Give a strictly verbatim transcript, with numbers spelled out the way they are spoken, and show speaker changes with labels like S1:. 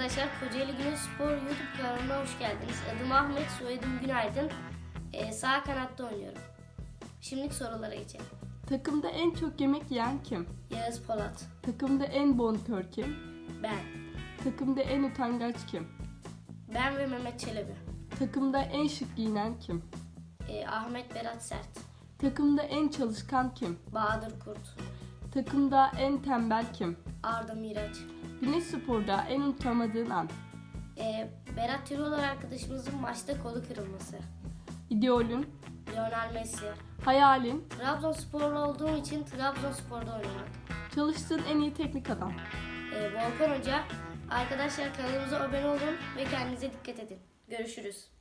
S1: arkadaşlar, Kocaeli Güneşspor YouTube kanalına hoş geldiniz. Adım Ahmet, soyadım Günaydın. Ee, sağ kanatta oynuyorum. Şimdilik sorulara geçelim.
S2: Takımda en çok yemek yiyen kim?
S1: Yağız Polat.
S2: Takımda en bonkör kim?
S1: Ben.
S2: Takımda en utangaç kim?
S1: Ben ve Mehmet Çelebi.
S2: Takımda en şık giyinen kim?
S1: Ee, Ahmet Berat Sert.
S2: Takımda en çalışkan kim?
S1: Bahadır Kurt.
S2: Takımda en tembel kim?
S1: Arda Miraç.
S2: Güneşspor'da en unutamadığın an?
S1: Ee, Berat Tirol arkadaşımızın maçta kolu kırılması.
S2: İdeolün,
S1: Lionel Messi.
S2: hayalin,
S1: Trabzonsporlu olduğum için Trabzonspor'da oynamak.
S2: çalıştığın en iyi teknik adam.
S1: Ee, Volkan Hoca. Arkadaşlar, kanalımıza abone olun ve kendinize dikkat edin. Görüşürüz.